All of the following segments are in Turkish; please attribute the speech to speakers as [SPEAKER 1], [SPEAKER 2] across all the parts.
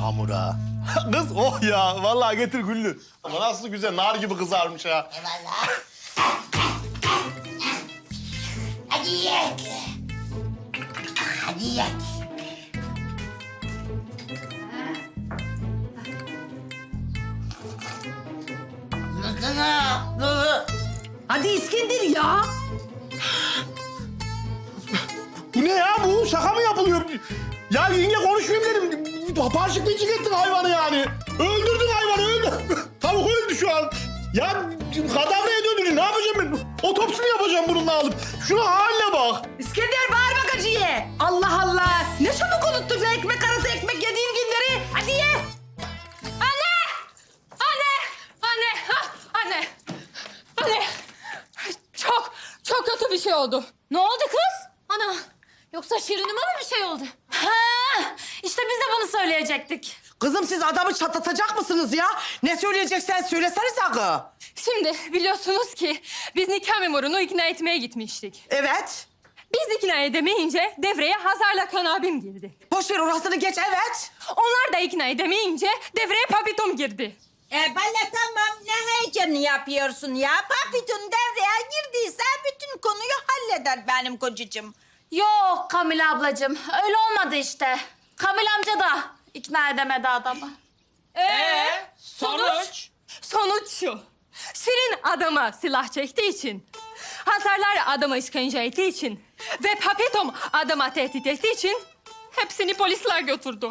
[SPEAKER 1] hamura. Kız oh ya vallahi getir Güllü. Ama nasıl güzel nar gibi kızarmış ha.
[SPEAKER 2] Eyvallah. Hadi yiyek. Hadi yiyek.
[SPEAKER 3] Hadi İskender ya.
[SPEAKER 1] Bu ne ya bu? Şaka mı yapılıyor? Ya yenge konuşmayayım dedim. Parçıklayıcı ettin hayvanı yani. Öldürdün hayvanı öldü. Tavuk öldü şu an. Ya kadavraya döndürün. Ne yapacağım ben? Otopsini yapacağım bununla alıp. Şuna haline bak.
[SPEAKER 3] İskender bağırma gacıya. Allah Allah. Ne çabuk unuttun sen ekmek arası ekmek yediğin günleri. Hadi ye.
[SPEAKER 4] Anne! Anne! Anne! Ah, anne! Anne! Çok kötü bir şey oldu. Ne oldu kız? Ana! Yoksa Şirin'ime mi bir şey oldu? Ha! İşte biz de bunu söyleyecektik.
[SPEAKER 3] Kızım siz adamı çatlatacak mısınız ya? Ne söyleyeceksen söylesene sakın.
[SPEAKER 4] Şimdi biliyorsunuz ki biz nikah memurunu ikna etmeye gitmiştik.
[SPEAKER 3] Evet.
[SPEAKER 4] Biz ikna edemeyince devreye Hazar'la Kan abim girdi.
[SPEAKER 3] Boş ver orasını geç evet.
[SPEAKER 4] Onlar da ikna edemeyince devreye Papitom girdi.
[SPEAKER 2] Bana tamam ne heyecanı yapıyorsun ya? Papitun devreye girdiyse bütün konuyu halleder benim kocacığım.
[SPEAKER 5] Yok Kamil ablacığım, öyle olmadı işte. Kamil amca da ikna edemedi adamı.
[SPEAKER 4] Sonuç? Sonuç şu. Şirin adama silah çektiği için, Hazarlar adama işkence ettiği için ve Papetom adama tehdit ettiği için hepsini polisler götürdü.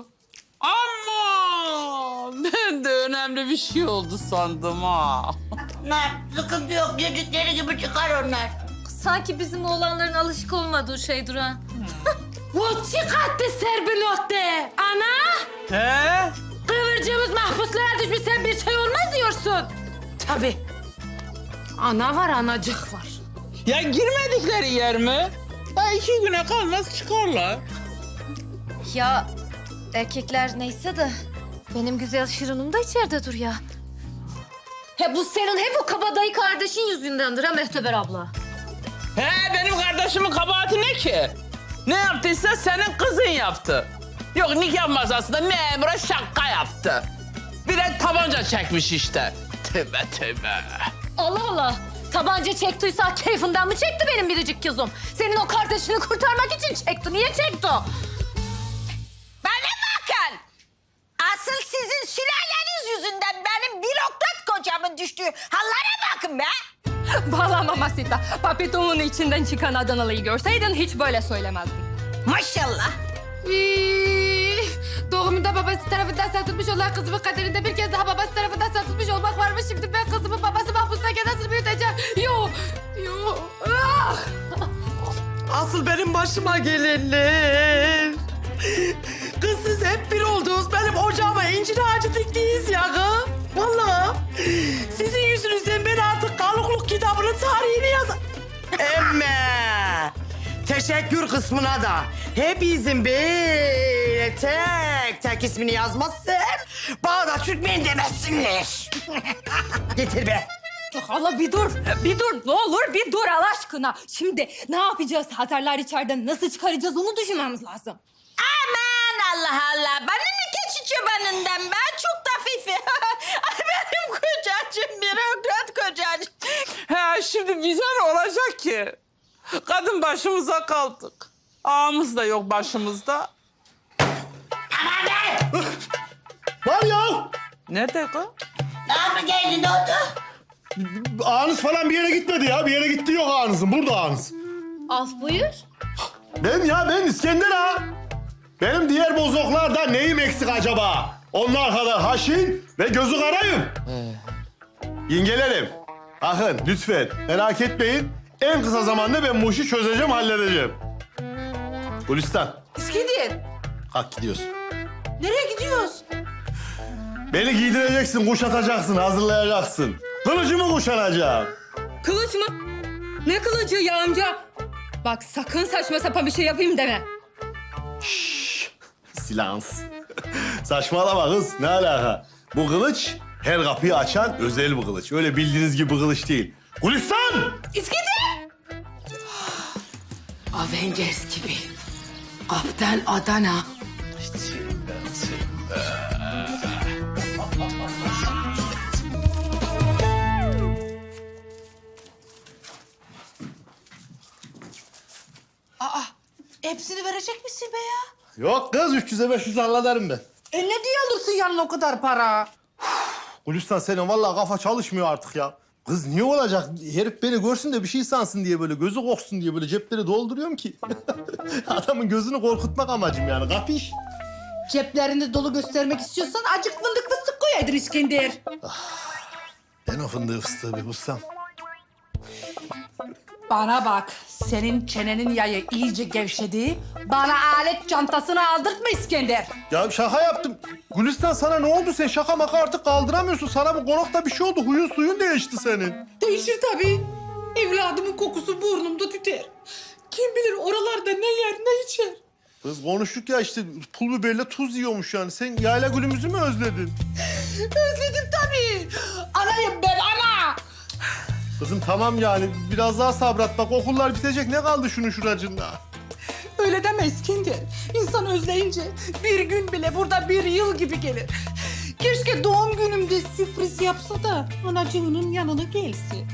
[SPEAKER 6] Ama ben de önemli bir şey oldu sandım ha.
[SPEAKER 2] Ne sıkıntı yok yüzükleri gibi çıkar onlar.
[SPEAKER 5] Sanki bizim oğlanların alışık olmadığı şey Duran. Bu çıkarttı serbinotte. Ana!
[SPEAKER 6] He?
[SPEAKER 5] Kıvırcığımız mahpuslara düşmüş, sen bir şey olmaz diyorsun.
[SPEAKER 3] Tabii. Ana var anacık var.
[SPEAKER 6] Ya girmedikleri yer mi? Ya 2 güne kalmaz çıkarlar.
[SPEAKER 5] Ya erkekler neyse de benim güzel Şirin'im de içeride dur ya. He bu senin hep o kabadayı kardeşin yüzündendir ha Mehteber abla.
[SPEAKER 6] He benim kardeşimin kabahati ne ki? Ne yaptıysa senin kızın yaptı. Yok nikah masasında memura şaka yaptı. Bir de tabanca çekmiş işte. Tövbe tövbe.
[SPEAKER 5] Allah Allah. Tabanca çektiyse keyfinden mi çekti benim biricik kızım? Senin o kardeşini kurtarmak için çekti. Niye çekti o?
[SPEAKER 2] Bana bakın. Asıl sizin sülaleniz yüzünden benim bürokrat kocamın düştüğü hallere bakın be.
[SPEAKER 4] Vallahi Mamasita, Papetom'un içinden çıkan Adanalı'yı görseydin hiç böyle söylemezdin.
[SPEAKER 2] Maşallah.
[SPEAKER 5] Doğumunda babası tarafından satılmış olan kızımın kaderinde bir kez daha babası tarafından satılmış olmak varmış. Şimdi ben kızımın babası mahpustayken nasıl büyüteceğim? Yok. Ah!
[SPEAKER 3] Asıl benim başıma gelenler. Kız siz hep bir oldunuz. Benim ocağıma incir ağacı diktiyiz ya kız. Vallahi. Sizin yüzünüzden ben artık kalıklık kitabının tarihini yazarım. Emme. Teşekkür kısmına da hepinizin böyle tek tek ismini yazmazsam bana Türkmen demesinler. Getir be.
[SPEAKER 4] Allah bir dur, ne olur bir dur Allah aşkına. Şimdi ne yapacağız? Hazarlar içeriden nasıl çıkaracağız onu düşünmemiz lazım.
[SPEAKER 2] Aman Allah Allah. Bana ne keçi çobanından ben çok da fifi. Ay benim kocacığım bürokrat kocacığım.
[SPEAKER 6] He şimdi bize ne olacak ki? Kadın başımıza kaldık. Ağamız da yok başımızda.
[SPEAKER 2] Aman be.
[SPEAKER 1] Var ya.
[SPEAKER 6] Nerede kız?
[SPEAKER 2] Daha mı geldi ne oldu?
[SPEAKER 1] Ağınız falan bir yere gitmedi ya. Bir yere gitti yok ağınızın. Burada ağınız.
[SPEAKER 5] Af buyur.
[SPEAKER 1] Ben İskender ha. Benim diğer bozoklarda neyim eksik acaba? Onlar kadar haşin ve gözü karayım. Yengelerim, bakın lütfen merak etmeyin. En kısa zamanda ben bu işi çözeceğim, halledeceğim. Gülistan,
[SPEAKER 3] İskender.
[SPEAKER 1] kalk gidiyorsun.
[SPEAKER 3] Nereye gidiyoruz?
[SPEAKER 1] Beni giydireceksin, kuşatacaksın, hazırlayacaksın. Kılıcımı kuşanacağım.
[SPEAKER 4] Kılıç mı? Ne kılıcı ya amca? Bak sakın saçma sapan bir şey yapayım deme.
[SPEAKER 1] Silans. Saçmalama kız, ne alaka? Bu kılıç her kapıyı açan özel bir kılıç. Öyle bildiğiniz gibi bir kılıç değil. Gülistan!
[SPEAKER 3] İskender. Avengers gibi. Kaptan Adana. verecek misin be ya?
[SPEAKER 1] Yok kız 300'e 500 hallederim ben.
[SPEAKER 3] Ne diye alırsın yanına o kadar para?
[SPEAKER 1] Gülistan senin vallahi kafa çalışmıyor artık ya. Kız niye olacak? Herif beni görsün de bir şey sansın diye böyle gözü korksun diye böyle cepleri dolduruyorum ki. Adamın gözünü korkutmak amacım yani kapış.
[SPEAKER 3] Ceplerini dolu göstermek istiyorsan acık fındık fıstık koyaydın İskender.
[SPEAKER 1] Ben o fındığı fıstığı bir bulsam.
[SPEAKER 3] Bana bak, senin çenenin yayı iyice gevşedi. Bana alet çantasını aldırtma İskender.
[SPEAKER 1] Ya şaka yaptım. Gülistan sana ne oldu? Sen şaka maka artık kaldıramıyorsun. Sana bu konakta bir şey oldu. Huyun suyun değişti senin.
[SPEAKER 3] Değişir tabii. Evladımın kokusu burnumda tüter. Kim bilir oralarda ne yer ne içer.
[SPEAKER 1] Kız konuştuk ya işte pul biberle tuz yiyormuş yani. Sen yayla gülümüzü mü özledin?
[SPEAKER 3] Özledim tabii. Anayım ben ana.
[SPEAKER 1] Kızım tamam yani biraz daha sabret bak okullar bitecek. Ne kaldı şunun şuracında?
[SPEAKER 3] Öyle deme İskender. İnsan özleyince bir gün bile burada bir yıl gibi gelir. Keşke doğum günümde sürpriz yapsa da anacığının yanına gelsin.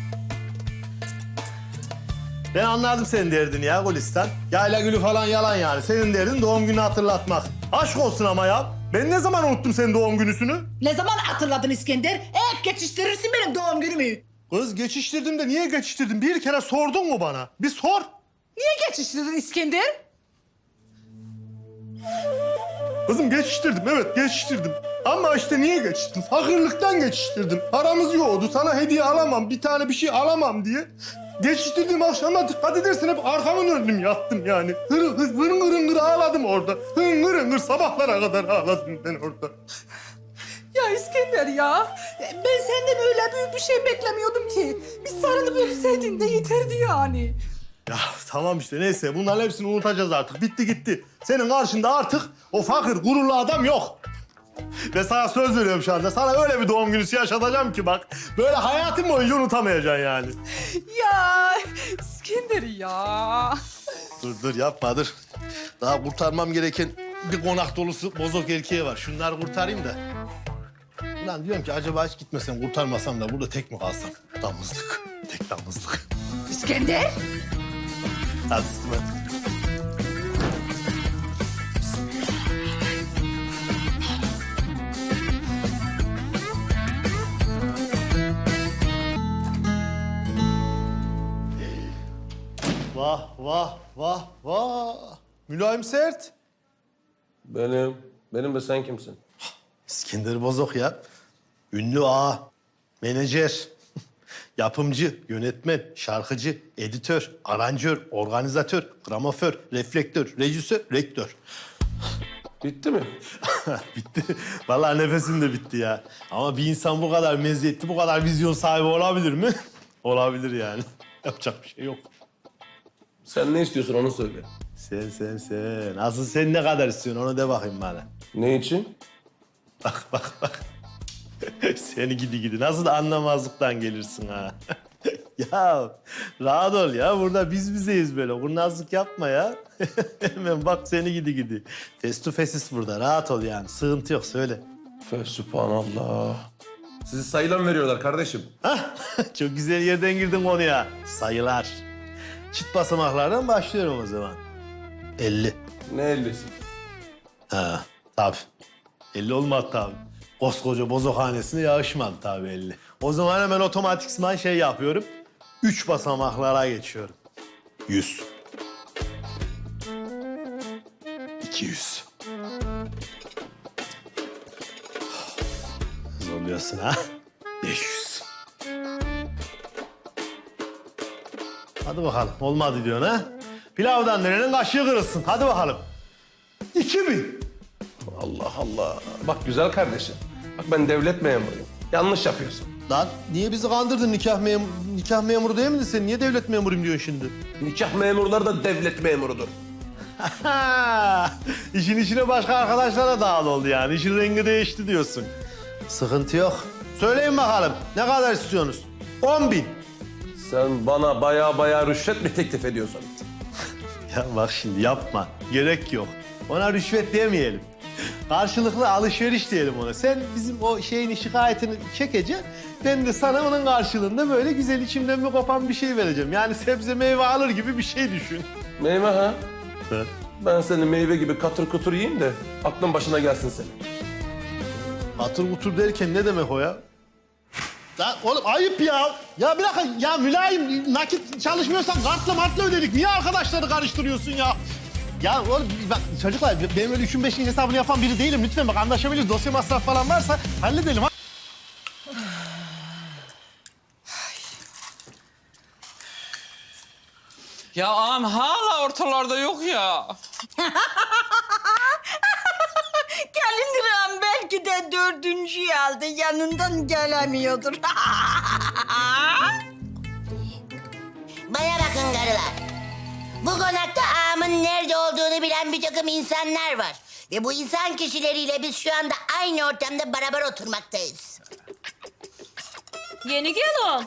[SPEAKER 1] Ben anladım senin derdini ya Gülistan. Yayla gülü falan yalan yani. Senin derdin doğum günü hatırlatmak. Aşk olsun ama ya. Ben ne zaman unuttum senin doğum günüsünü?
[SPEAKER 3] Ne zaman hatırladın İskender? Hep geçiştirirsin benim doğum günümü.
[SPEAKER 1] Kız geçiştirdim de niye geçiştirdim? Bir kere sordun mu bana? Bir sor.
[SPEAKER 3] Niye geçiştirdin İskender?
[SPEAKER 1] Kızım geçiştirdim evet geçiştirdim. Ama işte niye geçiştirdim? Fakirlikten geçiştirdim. Paramız yoktu. Sana hediye alamam, bir tane bir şey alamam diye. Geçiştirdiğim akşama dikkat edersen hep arkamı döndüm yattım yani. Hırın hırın ağladım orada. Hırın hırın sabahlara kadar ağladım ben orada.
[SPEAKER 3] Ya İskender ya. Ben senden öyle büyük bir şey beklemiyordum ki. Bir sarılıp öpseydin de yeterdi yani.
[SPEAKER 1] Ya tamam işte neyse bunların hepsini unutacağız artık. Bitti gitti. Senin karşında artık o fakir gururlu adam yok. Ve sana söz veriyorum şu anda. Sana öyle bir doğum günü yaşatacağım ki bak. Böyle hayatın boyunca unutamayacaksın yani.
[SPEAKER 3] Ya İskender ya.
[SPEAKER 1] Dur yapma dur. Daha kurtarmam gereken bir konak dolusu bozok erkeği var. Şunları kurtarayım da. Ulan diyorum ki acaba hiç gitmesem kurtarmasam da burada tek mi kalsam? Damızlık. Tek damızlık.
[SPEAKER 3] İskender.
[SPEAKER 1] Hadi hadi. Vah vah vah vah. Mülayim Sert.
[SPEAKER 7] Benim de sen kimsin?
[SPEAKER 1] İskender Bozok ya. Ünlü ağa, menajer, yapımcı, yönetmen, şarkıcı, editör, aranjör, organizatör, gramoför, reflektör, rejisör, rektör.
[SPEAKER 7] Bitti mi?
[SPEAKER 1] Bitti. Vallahi nefesim de bitti ya. Ama bir insan bu kadar meziyetli, bu kadar vizyon sahibi olabilir mi? Olabilir yani. Yapacak bir şey yok.
[SPEAKER 7] Sen ne istiyorsun onu söyle.
[SPEAKER 1] Sen. Asıl sen ne kadar istiyorsun onu de bakayım bana.
[SPEAKER 7] Ne için?
[SPEAKER 1] Bak. Seni gidi. Nasıl da anlamazlıktan gelirsin ha. Ya rahat ol ya. Burada biz bizeyiz böyle. Kurnazlık yapma ya. Hemen bak seni gidi. Face to face'iz burada. Rahat ol yani. Sıkıntı yok söyle.
[SPEAKER 7] Sübhanallah. Sizi sayıyla mı veriyorlar kardeşim?
[SPEAKER 1] Hah, çok güzel yerden girdin konuya. Sayılar. Çift basamaklardan başlıyorum o zaman. 50.
[SPEAKER 7] Ne 50'si?
[SPEAKER 1] Ha, tabii. 50 olmadı tabii. Koskoca bozokhanesine yağışmadı tabii 50. O zaman hemen otomatikman şey yapıyorum. 3 basamaklara geçiyorum. 100. 200. Zorluyorsun ha. 500. Hadi bakalım. Olmadı diyorsun ha. Pilavdan nerenin kaşığı kırılsın. Hadi bakalım. 2000.
[SPEAKER 7] Allah Allah. Bak güzel kardeşim. Bak ben devlet memuruyum. Yanlış yapıyorsun.
[SPEAKER 1] Lan niye bizi kandırdın nikah memuru değil miydin sen? Niye devlet memuruyum diyorsun şimdi?
[SPEAKER 7] Nikah memurları da devlet memurudur.
[SPEAKER 1] İşin içine başka arkadaşlara dahil oldu yani. İşin rengi değişti diyorsun. Sıkıntı yok. Söyleyin bakalım ne kadar istiyorsunuz? 10.000.
[SPEAKER 7] Sen bana baya rüşvet mi teklif ediyorsun?
[SPEAKER 1] Ya bak şimdi yapma. Gerek yok. Ona rüşvet demeyelim. Karşılıklı alışveriş diyelim ona. Sen bizim o şeyin şikayetini çekeceksin. Ben de sana onun karşılığında böyle güzel içimden bir kopan bir şey vereceğim. Yani sebze meyve alır gibi bir şey düşün.
[SPEAKER 7] Meyve ha? Ben seni meyve gibi katır kutur yiyeyim de aklın başına gelsin senin.
[SPEAKER 1] Atır utur derken ne demek o ya? Ya oğlum ayıp ya. Ya bir dakika ya mülayim nakit çalışmıyorsan kartla martla ödedik. Niye arkadaşları karıştırıyorsun ya? Ya oğlum bak çocuklar benim öyle 3'ün 5'in hesabını yapan biri değilim. Lütfen bak anlaşabiliriz. Dosya masraf falan varsa halledelim. Ha?
[SPEAKER 6] Ya ağam hala ortalarda yok ya.
[SPEAKER 2] Kalindiram belki de 4. aldı. Yanından gelemiyordur.
[SPEAKER 8] Bana bakın karılar. Bu konakta ağamın nerede olduğunu bilen bir takım insanlar var. Ve bu insan kişileriyle biz şu anda aynı ortamda beraber oturmaktayız.
[SPEAKER 5] Yeni gelin.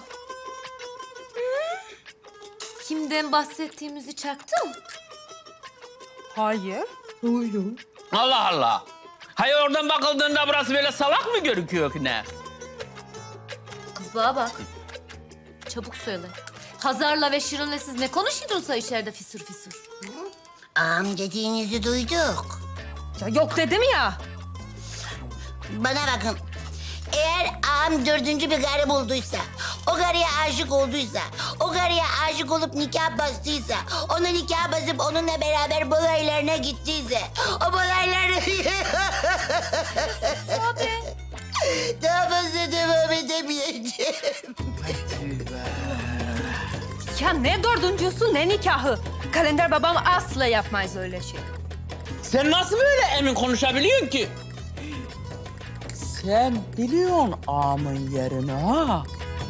[SPEAKER 5] Kimden bahsettiğimizi çaktın?
[SPEAKER 3] Hayır.
[SPEAKER 6] Allah Allah. Hayır oradan bakıldığında burası böyle salak mı gözüküyor ki ne?
[SPEAKER 5] Kız bana bak. Çabuk söyle. Hazar'la ve Şirin'le siz ne konuşuyordunuz içeride fisur fisur?
[SPEAKER 8] Ağam dediğinizi duyduk.
[SPEAKER 5] Ya yok dedim ya.
[SPEAKER 8] Bana bakın. Eğer ağam 4. bir karı bulduysa, o karıya aşık olduysa, o karıya aşık olup nikah bastıysa, ona nikah basıp onunla beraber balaylarına gittiyse, o balayları...
[SPEAKER 5] Abi.
[SPEAKER 8] Daha fazla devam edemeyeceğim.
[SPEAKER 5] Ya ne dördüncüsü ne nikahı. Kalender babam asla yapmaz öyle şey.
[SPEAKER 6] Sen nasıl böyle emin konuşabiliyorsun ki? Sen biliyorsun ağamın yerini ha?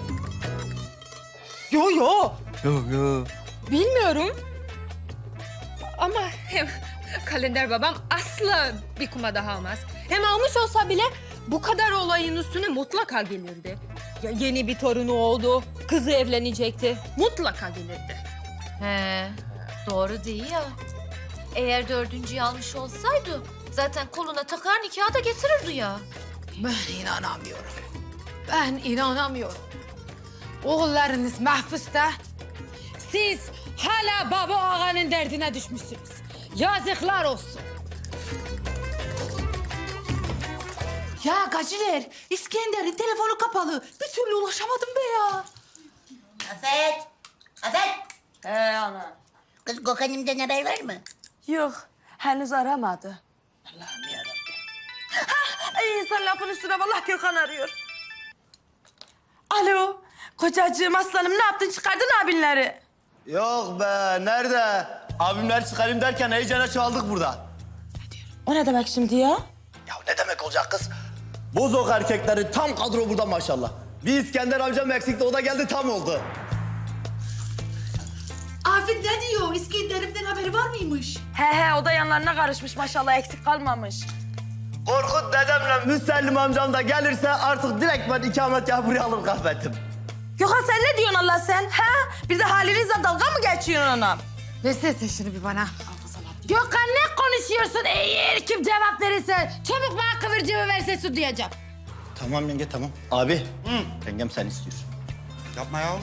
[SPEAKER 3] Yo yo.
[SPEAKER 5] Bilmiyorum. Ama hem Kalender babam asla bir kuma daha almaz. Hem almış olsa bile bu kadar olayın üstüne mutlaka gelirdi. Ya yeni bir torunu oldu, kızı evlenecekti. Mutlaka gelirdi. He, doğru değil ya. Eğer 4. almış olsaydı zaten koluna takar nikahı da getirirdi ya.
[SPEAKER 9] Ben inanamıyorum. Ben inanamıyorum. Oğullarınız mahpusta. Siz hala baba ağanın derdine düşmüşsünüz. Yazıklar olsun. Ya Gaciler, İskender'in telefonu kapalı. Bir türlü ulaşamadım be ya.
[SPEAKER 8] Afet! Afet!
[SPEAKER 4] He ana.
[SPEAKER 8] Kız Gökhan'ımdan haber var mı?
[SPEAKER 4] Yok, henüz aramadı. Allah'ım yarabbim. Ay insan lafın üstüne vallahi Gökhan arıyor. Alo, kocacığım aslanım ne yaptın çıkardın abinleri?
[SPEAKER 10] Yok be, nerede? Abimler çıkarayım derken heyecana çaldık burada.
[SPEAKER 4] O ne demek şimdi ya?
[SPEAKER 10] Ya ne demek olacak kız? Bozok erkekleri tam kadro burada maşallah. Bir İskender amcam eksikti, o da geldi tam oldu.
[SPEAKER 9] Afet ne diyor? İskender'imden haberi var mıymış?
[SPEAKER 4] He o da yanlarına karışmış maşallah eksik kalmamış.
[SPEAKER 10] Korkut dedemle Müsellim amcam da gelirse artık direkt ben ikametgahı buraya alır kahvettim.
[SPEAKER 4] Gökhan sen ne diyorsun Allah sen? Ha? Bir de halinizle dalga mı geçiyorsun ona?
[SPEAKER 9] Versene şunu bir bana. Gökhan ne konuşuyorsun? Eğer kim cevap verirse çabuk bana kıvırcığı verse su diyeceğim.
[SPEAKER 10] Tamam yenge tamam. Abi, yengem sen istiyorsun.
[SPEAKER 11] Yapma ya.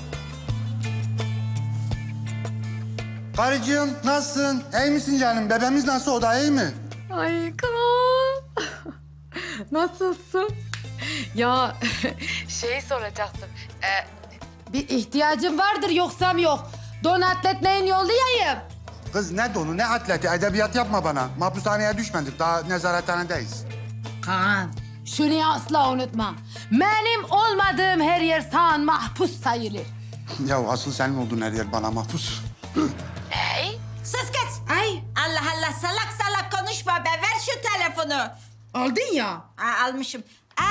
[SPEAKER 11] Karıcığım nasılsın? İyi misin canım? Bebeğimiz nasıl? O da iyi mi?
[SPEAKER 5] Ay Kaan. Nasılsın? Ya şey soracaktım.
[SPEAKER 9] Bir ihtiyacın vardır yoksam yok. Don atletmeyin yollayayım.
[SPEAKER 11] Kız ne donu ne atleti edebiyat yapma bana. Mahpushaneye düşmedik daha nezarethanedeyiz.
[SPEAKER 9] Kaan şunu asla unutma. Benim olmadığım her yer sağ mahpus sayılır.
[SPEAKER 11] Ya asıl senin olduğun her yer bana mahpus.
[SPEAKER 2] Sus kız.
[SPEAKER 9] Ay
[SPEAKER 2] Allah Allah salak salak konuşma be. Ver şu telefonu.
[SPEAKER 9] aldın ya.
[SPEAKER 2] Almışım.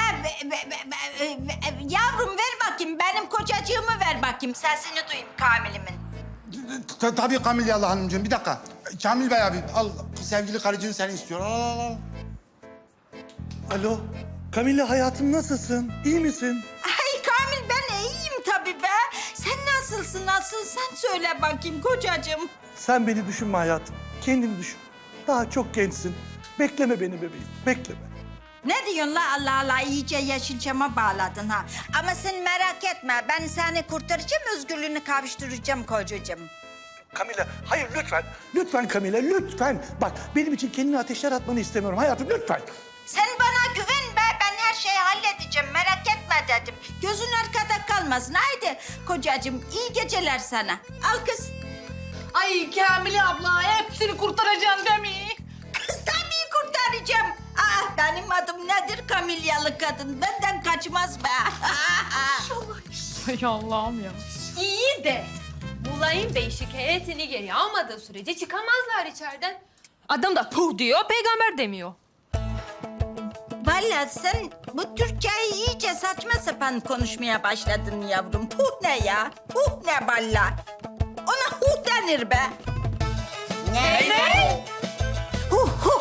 [SPEAKER 2] Yavrum ver bakayım. Benim kocacığımı ver bakayım. Sesini duyayım Kamil'imin.
[SPEAKER 11] Tabii Kamil Yallah Hanımcığım bir dakika. Kamil Bey abi al sevgili karıcığın seni istiyor. Al.
[SPEAKER 10] Alo, Kamille hayatım nasılsın? İyi misin?
[SPEAKER 2] Ay Kamil ben iyiyim tabii be. Sen nasılsın asıl sen söyle bakayım kocacığım.
[SPEAKER 12] Sen beni düşünme hayatım. Kendini düşün. Daha çok gençsin. Bekleme beni bebeğim. Bekleme.
[SPEAKER 2] Ne diyorsun la Allah Allah iyice Yeşilçam'a bağladın ha. Ama sen merak etme ben seni kurtaracağım özgürlüğünü kavuşturacağım kocacığım.
[SPEAKER 12] Kamila, hayır lütfen. Lütfen Kamila, lütfen. Bak benim için kendini ateşler atmanı istemiyorum hayatım, lütfen.
[SPEAKER 2] Sen bana güven be. Ben her şeyi halledeceğim. Merak etme dedim. Gözün arkada kalmasın. Haydi kocacığım iyi geceler sana. Al kız.
[SPEAKER 3] Ay Kamile abla hepsini kurtaracaksın değil mi?
[SPEAKER 2] Kız tabii kurtaracağım. Benim adım nedir Kamilyalı kadın? Benden kaçmaz be.
[SPEAKER 5] Ay Allah'ım ya. İyi de Mulayim Bey şikayetini geri almadığı sürece çıkamazlar içeriden. Adam da puh diyor, peygamber demiyor.
[SPEAKER 2] Vallahi sen bu Türkçeyi iyice saçma sapan konuşmaya başladın yavrum. Puh ne ya? Puh ne valla? Ona huh denir be. Ne? Huh huh.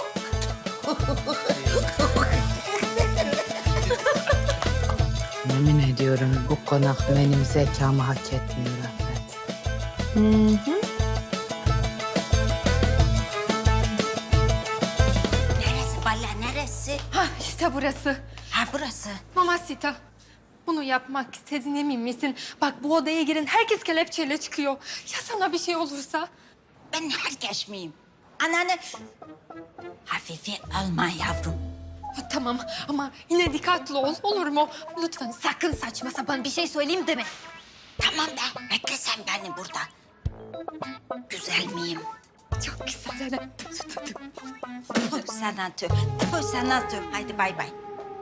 [SPEAKER 9] Yemin ediyorum bu konak benim zekamı hak etmiyor Afet.
[SPEAKER 2] Neresi valla neresi?
[SPEAKER 5] Hah işte burası.
[SPEAKER 2] Ha burası.
[SPEAKER 5] Mamacita. Bunu yapmak istediğin emin misin? Bak bu odaya girin herkes kelepçeyle çıkıyor. Ya sana bir şey olursa?
[SPEAKER 2] Ben herkes miyim? Ananı hafife alma yavrum.
[SPEAKER 5] Ha, tamam ama yine dikkatli ol olur mu? Lütfen sakın saçma sapan bir şey söyleyeyim deme.
[SPEAKER 2] Tamam be, bekle sen beni burada. Güzel miyim?
[SPEAKER 5] Çok güzel.
[SPEAKER 2] Tüh sana tüh, tüh sana tüh. Haydi bay bay.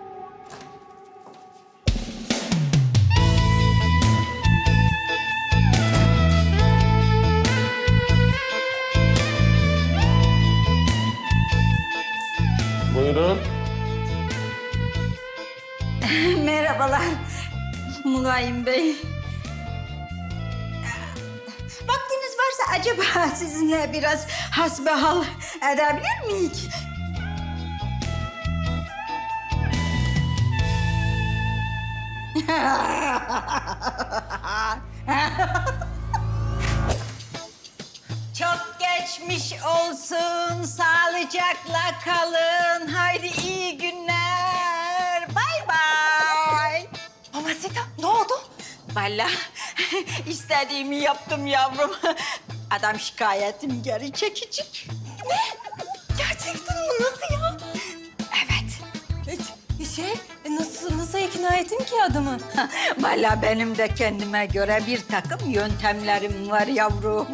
[SPEAKER 7] Buyurun.
[SPEAKER 2] Merhabalar Mulayim Bey. Vaktiniz varsa acaba sizinle biraz hasbihal edebilir miyiz? Çok geçmiş olsun, sağlıcakla kalın. Haydi iyi günler. Bay bay.
[SPEAKER 5] Mamacita ne oldu?
[SPEAKER 2] Vallahi istediğimi yaptım yavrum. Adam şikayetim geri çekecek.
[SPEAKER 5] Gerçekten mi? Nasıl ya?
[SPEAKER 2] Evet.
[SPEAKER 5] Nasıl ikna ettin ki adamı?
[SPEAKER 2] Vallahi benim de kendime göre bir takım yöntemlerim var yavrum.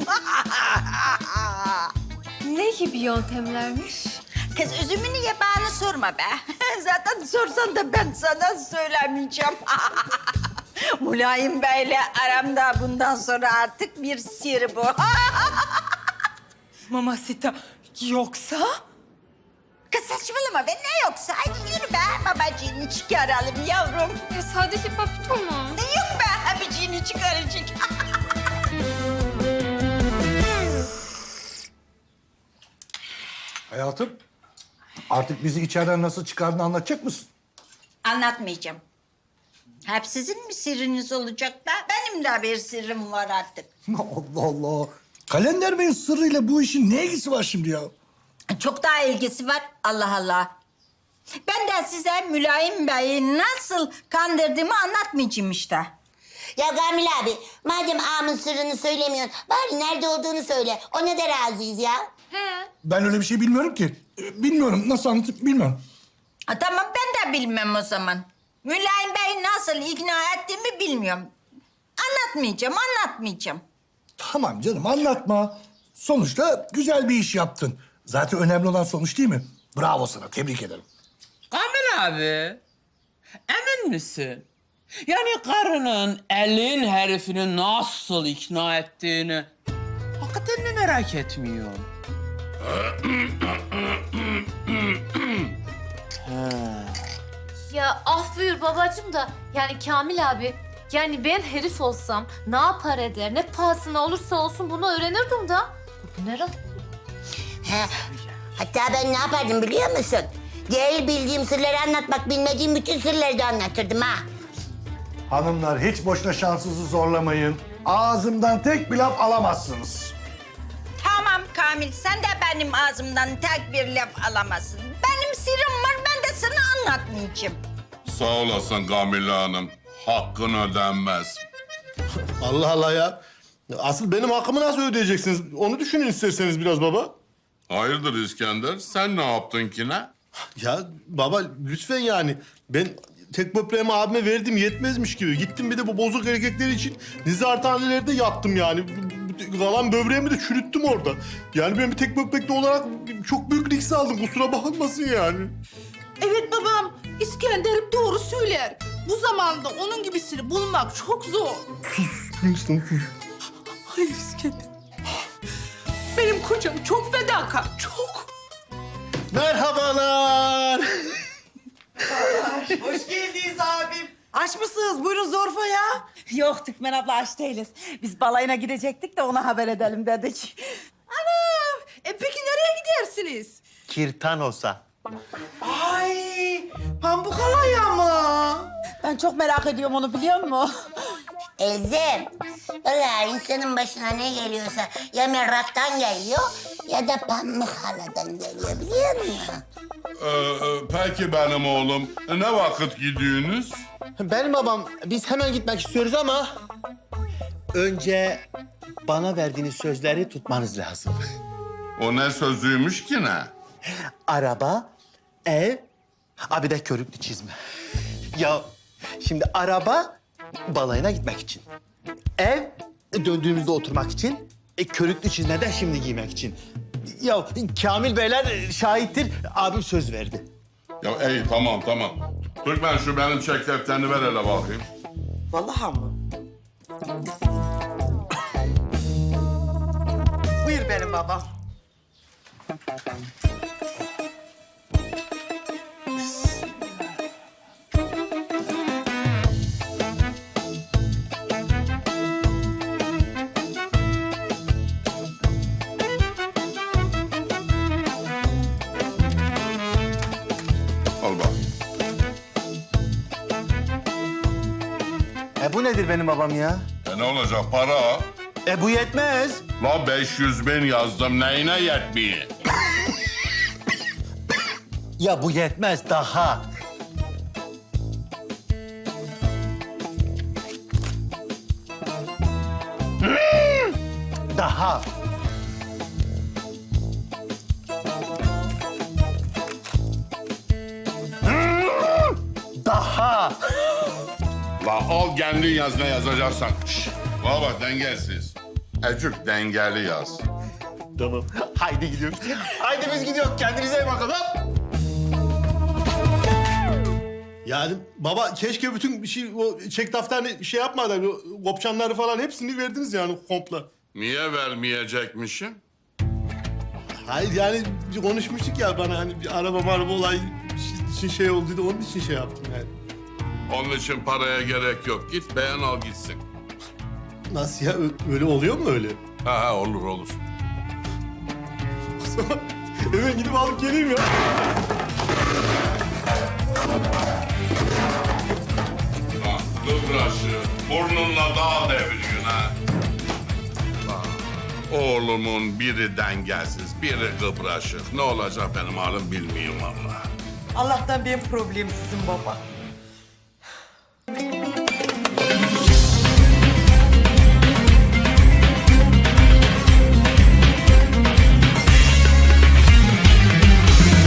[SPEAKER 5] Ne gibi yöntemlermiş?
[SPEAKER 2] Kız üzümünü ye bana sorma be. Zaten sorsan da ben sana söylemeyeceğim. Mulayim Bey'le aramda bundan sonra artık bir sır bu.
[SPEAKER 5] Mamacita yoksa?
[SPEAKER 2] Kız saçmalama be ne yoksa. Hadi yürü be babacığını çıkaralım yavrum.
[SPEAKER 5] Sadece papito mu?
[SPEAKER 2] Ne yok be abiciğini çıkaracak.
[SPEAKER 12] Hayatım, artık bizi içeriden nasıl çıkardığını anlatacak mısın?
[SPEAKER 2] Anlatmayacağım. Hep sizin mi sırrınız olacak da? Benim de bir sırrım var artık.
[SPEAKER 12] Allah Allah. Kalender Bey'in sırrıyla bu işin ne ilgisi var şimdi ya?
[SPEAKER 2] Çok daha ilgisi var. Allah Allah. Ben de size Mülayim Bey'i nasıl kandırdığımı anlatmayacağım işte.
[SPEAKER 8] Ya Kamil abi madem ağamın sırrını söylemiyorsun bari nerede olduğunu söyle. Ona da razıyız ya.
[SPEAKER 12] Ben öyle bir şey bilmiyorum ki. Bilmiyorum, nasıl anlatıp bilmiyorum.
[SPEAKER 2] Tamam ben de bilmem o zaman. Mülayim Bey'i nasıl ikna ettiğimi bilmiyorum. Anlatmayacağım.
[SPEAKER 12] Tamam canım, anlatma. Sonuçta güzel bir iş yaptın. Zaten önemli olan sonuç değil mi? Bravo sana, tebrik ederim.
[SPEAKER 6] Kamil abi, emin misin? Yani karının elin herifini nasıl ikna ettiğini hakikaten mi merak etmiyor?
[SPEAKER 4] Ya af buyur babacığım da yani Kamil abi yani ben herif olsam ne yapar eder ne pahasına olursa olsun bunu öğrenirdim da. Bu ne rahat?
[SPEAKER 8] He, hatta ben ne yapardım biliyor musun? Değil bildiğim sırları anlatmak, bilmediğim bütün sırları da anlatırdım ha.
[SPEAKER 12] Hanımlar hiç boşuna şansınızı zorlamayın. Ağzımdan tek bir laf alamazsınız.
[SPEAKER 2] Tamam Kamil sen de benim ağzımdan tek bir laf alamazsın. Benim sırrım var ben de sana anlatmayacağım.
[SPEAKER 13] Sağ olasın Kamile Hanım. Hakkın ödenmez.
[SPEAKER 1] Allah Allah ya. Asıl benim hakkımı nasıl ödeyeceksiniz? Onu düşünün isterseniz biraz baba.
[SPEAKER 13] Hayırdır İskender? Sen ne yaptın ki ne?
[SPEAKER 1] Ya baba lütfen yani. Ben tek böbreğimi abime verdim yetmezmiş gibi. Gittim bir de bu bozuk erkekler için nezarethanelerde yattım yani. Kalan böbreğimi de çürüttüm orada. Yani ben bir tek böbrekli olarak çok büyük risk aldım. Kusura bakmasın yani.
[SPEAKER 3] Evet babam, İskender'im doğru söyler. Bu zamanda onun gibisini bulmak çok zor.
[SPEAKER 1] Gülistan sus.
[SPEAKER 3] Hayır İskender. Benim kocam çok fedakar, çok.
[SPEAKER 1] Merhabalar.
[SPEAKER 3] Hoş geldiniz abim. Aç mısınız? Buyurun Zorfa ya.
[SPEAKER 2] Yok Türkmen abla aç değiliz. Biz balayına gidecektik de ona haber edelim dedik.
[SPEAKER 3] Anam, peki nereye gidersiniz?
[SPEAKER 1] Kirtanos'a.
[SPEAKER 3] Ay, pamuk alaya mı?
[SPEAKER 2] Ben çok merak ediyorum onu biliyor musun?
[SPEAKER 8] Elzem, valla insanın başına ne geliyorsa ya meraktan geliyor ya da pamuk haladan geliyor biliyor musun?
[SPEAKER 13] Peki benim oğlum. Ne vakit gidiyorsunuz?
[SPEAKER 10] Benim babam, biz hemen gitmek istiyoruz ama... Önce bana verdiğiniz sözleri tutmanız lazım.
[SPEAKER 13] O ne sözüymüş ki ne?
[SPEAKER 10] Araba, ev, bir de körüklü çizme. Ya şimdi araba balayına gitmek için. Ev döndüğümüzde oturmak için. Körüklü çizme de şimdi giymek için. Ya Kamil Beyler şahittir. Abim söz verdi.
[SPEAKER 13] Ya iyi tamam. Türkmen şu benim çek defterini ver hele bakayım.
[SPEAKER 3] Vallahi mı? Buyur benim babam.
[SPEAKER 13] Al bak.
[SPEAKER 10] Bu nedir benim babam ya?
[SPEAKER 13] Ne olacak para?
[SPEAKER 10] Bu yetmez.
[SPEAKER 13] La 500 bin yazdım neyine yetmiyor?
[SPEAKER 10] Ya bu yetmez daha. Daha. Daha.
[SPEAKER 13] La al kendin yaz ne yazacaksan. Şşş. Bana bak dengesiz. Ecük dengeli yaz.
[SPEAKER 10] Tamam. Haydi gidiyoruz. Haydi biz gidiyoruz. Kendinize iyi bakın.
[SPEAKER 1] Yani baba keşke bütün o çek defterini şey yapmadan o kopçanları falan hepsini verdiniz yani komple.
[SPEAKER 13] Niye vermeyecekmişim?
[SPEAKER 1] Hayır yani konuşmuştuk ya bana hani bir araba olay için şey olduydu onun için şey yaptım yani.
[SPEAKER 13] Onun için paraya gerek yok. Git beğen al gitsin.
[SPEAKER 1] Nasıl ya öyle oluyor mu öyle?
[SPEAKER 13] Ha olur.
[SPEAKER 1] O zaman hemen gidip alıp geleyim ya.
[SPEAKER 13] Ha, kıbraşı. Burnunla dağ deviriyorsun ha. Ha, oğlumun biri dengesiz, biri kıbraşık. Ne olacak benim halim bilmiyorum vallahi.
[SPEAKER 3] Allah'tan benim problemsizim baba.